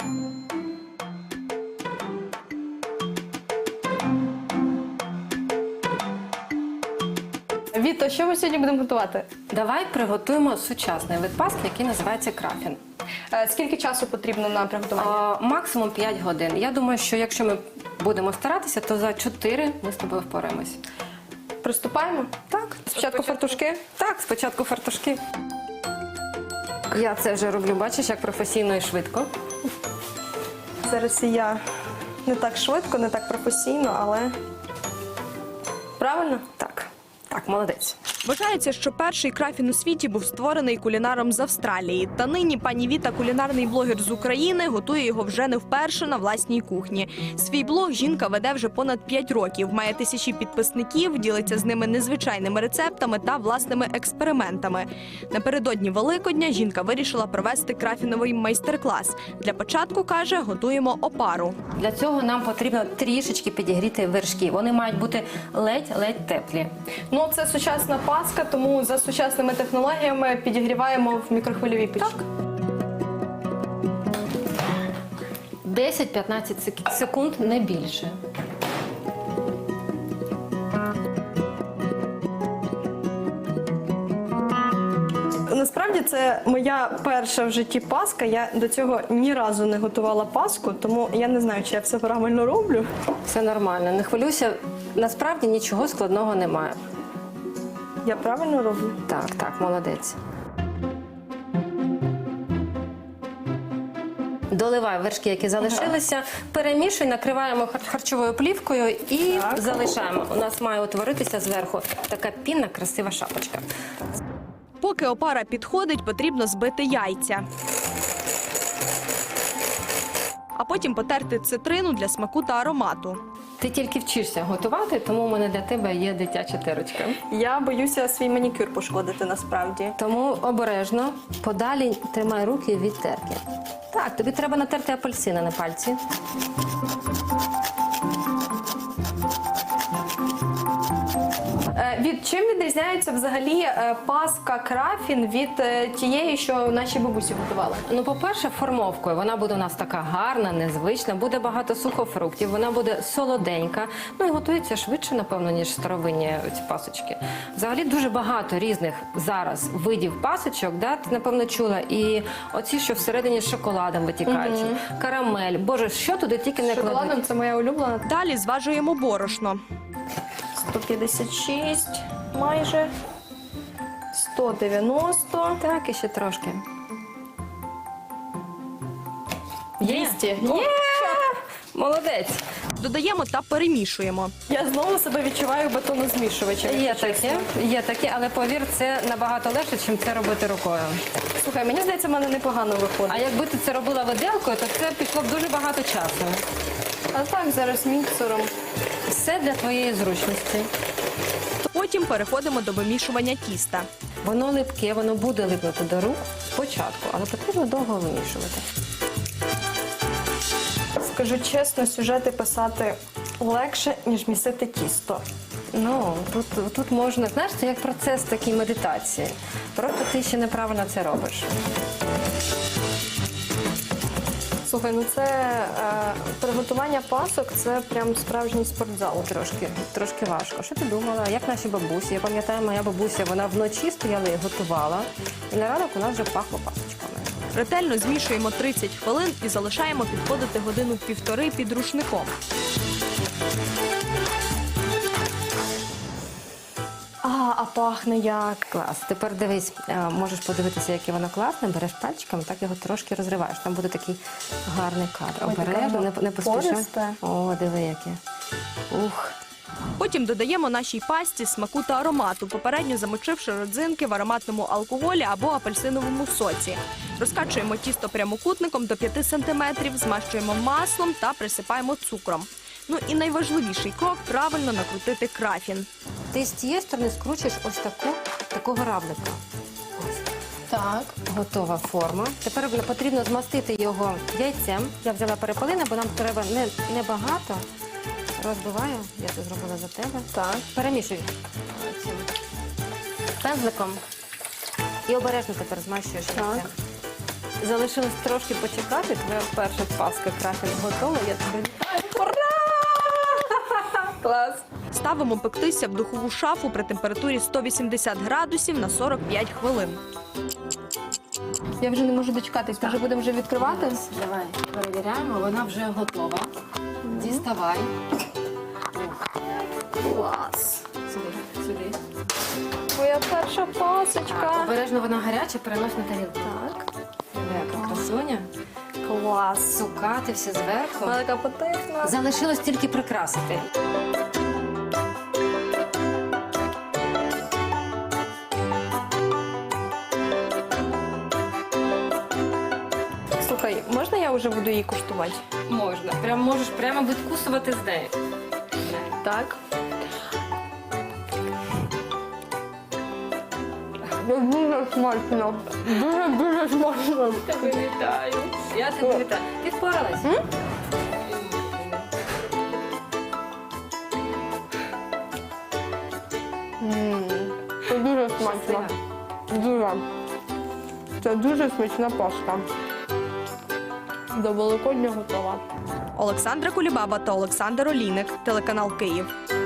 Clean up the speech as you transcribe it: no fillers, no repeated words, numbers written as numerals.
Віто, що ми сьогодні будемо готувати? Давай приготуємо сучасний вид паски, який називається крафін. Скільки часу потрібно на приготування? Максимум 5 годин. Я думаю, що якщо ми будемо старатися, то за 4 ми з тобою впораємось. Приступаємо? Так. Спочатку фартушки? Так, спочатку фартушки. Я це вже роблю, бачиш, як професійно і швидко. Зараз і я не так швидко, не так професійно, але правильно? Так. Так, молодець. Вважається, що перший крафін у світі був створений кулінаром з Австралії. Та нині пані Віта, кулінарний блогер з України, готує його вже не вперше на власній кухні. Свій блог жінка веде вже понад 5 років, має тисячі підписників, ділиться з ними незвичайними рецептами та власними експериментами. Напередодні Великодня жінка вирішила провести крафіновий майстер-клас. Для початку, каже, готуємо опару. Для цього нам потрібно трішечки підігріти вершки. Вони мають бути ледь-ледь теплі. Ну, це сучасна паска, тому за сучасними технологіями підігріваємо в мікрохвильовій печі. Так. 10-15 секунд, не більше. Насправді це моя перша в житті паска. Я до цього ні разу не готувала паску, тому я не знаю, чи я все правильно роблю. Все нормально, не хвилюйся. Насправді нічого складного немає. Я правильно роблю? Так, так, молодець. Доливай вершки, які залишилися, перемішуй, накриваємо харчовою плівкою і залишаємо. У нас має утворитися зверху така пінна, красива шапочка. Поки опара підходить, потрібно збити яйця. А потім потерти цитрину для смаку та аромату. Ти тільки вчишся готувати, тому у мене для тебе є дитяча терочка. Я боюся свій манікюр пошкодити насправді. Тому обережно, подалі тримай руки від терки. Так, тобі треба натерти апельсини на пальці. Від чим відрізняється взагалі паска крафін від тієї, що наші бабусі готували? Ну, по-перше, формовкою. Вона буде у нас така гарна, незвична, буде багато сухофруктів, вона буде солоденька. Ну і готується швидше, напевно, ніж старовинні ці пасочки. Взагалі дуже багато різних зараз видів пасочок, да? Ти, напевно, чула. І оці, що всередині з шоколадом витікають, карамель. Боже, що туди тільки не кладуть. Шоколадом це моя улюблена. Далі зважуємо борошно. 156 майже. 190. Так, і ще трошки. 200. Є! Молодець! Додаємо та перемішуємо. Я знову себе відчуваю бетонозмішувачем. Є таке, але повір, це набагато легше, ніж це робити рукою. Слухай, мені здається, в мене непогано виходить. А якби ти це робила виделкою, то це пішло б дуже багато часу. А так, зараз міксером. Все для твоєї зручності. Потім переходимо до вимішування тіста. Воно липке, воно буде липнути до рук спочатку, але потрібно довго вимішувати. Скажу чесно, сюжети писати легше, ніж місити тісто. Ну, тут можна, знаєш, це як процес такій медитації. Просто ти ще неправильно це робиш. Слухай, ну це приготування пасок, це прям справжній спортзал. Трошки важко. Що ти думала? Як наші бабусі? Я пам'ятаю, моя бабуся, вона вночі стояла і готувала. І на ранок у нас вже пахло пасочками. Ретельно змішуємо 30 хвилин і залишаємо підходити годину-півтори під рушником. А пахне як. Клас. Тепер дивись, можеш подивитися, яке воно класне. Береш пальчиками, так його трошки розриваєш. Там буде такий гарний кадр. Обережно, не поспішай. Пористе. О, диви яке. Ух. Потім додаємо нашій пасті смаку та аромату, попередньо замочивши родзинки в ароматному алкоголі або апельсиновому соці. Розкачуємо тісто прямокутником до 5 см, змащуємо маслом та присипаємо цукром. Ну і найважливіший крок – правильно накрутити крафін. Ти з цієї сторони скручуєш ось такого равлика. Так. Готова форма. Тепер потрібно змастити його яйцем. Я взяла перепелине, бо нам треба не багато. Розбиваю, я це зробила за тебе. Так. Перемішуй цим пензликом і обережно тепер змащуєш яйцем. Залишилось трошки почекати. Твоя перша паска крафін готова. Я тебе вітаю. Ура! Клас! Ставимо пектися в духову шафу при температурі 180 градусів на 45 хвилин. Я вже не можу дочекатись, може будемо вже відкривати? Давай перевіряємо, вона вже готова. Діставай. Клас! Сюди. Моя перша пасочка. Так, обережно вона гаряча, перенось на тарілку. Так. Яка красуня. Клас. Цукати все зверху. Вона така апетитна. Залишилось тільки прикрасити. Слухай, можна я вже буду її куштувати? Можна. Можеш прямо відкусувати з нею. Так. Дуже смачно. Дуже смачно. Тебе вітаю. Я тебе вітаю. Ти впоралась? Це дуже смачно. Дуже. Це дуже смачна паска. До Великодня готова. Олександра Кулібаба та Олександр Олійник, телеканал Київ.